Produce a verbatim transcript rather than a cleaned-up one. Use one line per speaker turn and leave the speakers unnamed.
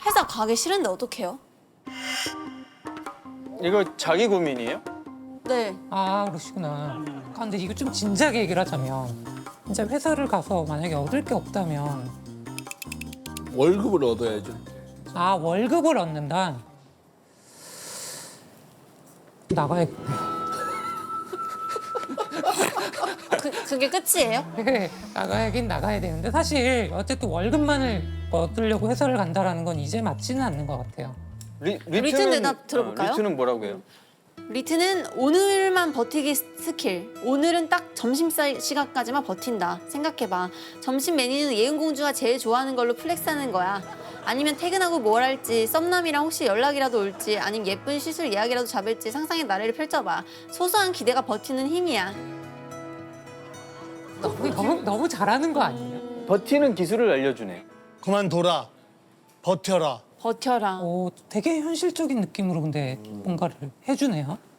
회사 가기 싫은데 어떡해요?
이거 자기 고민이에요?
네.
아, 그러시구나. 근데 이거 좀 진지하게 얘기를 하자면 진짜 회사를 가서 만약에 얻을 게 없다면
월급을 얻어야죠.
아, 월급을 얻는다. 나가야겠네.
그, 그게 끝이에요?
네, 나가야긴 나가야 되는데 사실 어쨌든 월급만을 얻으려고 회사를 간다라는 건 이제 맞지는 않는 것 같아요.
리,
리튼 대답 들어볼까요?
어, 리트는 뭐라고 해요?
리트는 오늘만 버티기 스킬. 오늘은 딱 점심 사- 시간까지만 버틴다. 생각해봐. 점심 메뉴는 예은공주가 제일 좋아하는 걸로 플렉스하는 거야. 아니면 퇴근하고 뭘 할지, 썸남이랑 혹시 연락이라도 올지, 아니면 예쁜 시술 예약이라도 잡을지 상상의 나래를 펼쳐봐. 소소한 기대가 버티는 힘이야.
너무, 너무, 너무 잘하는 거 아니에요?
버티는 기술을 알려주네.
그만둬라. 버텨라.
버텨라.
오, 되게 현실적인 느낌으로 근데 뭔가를 해주네요.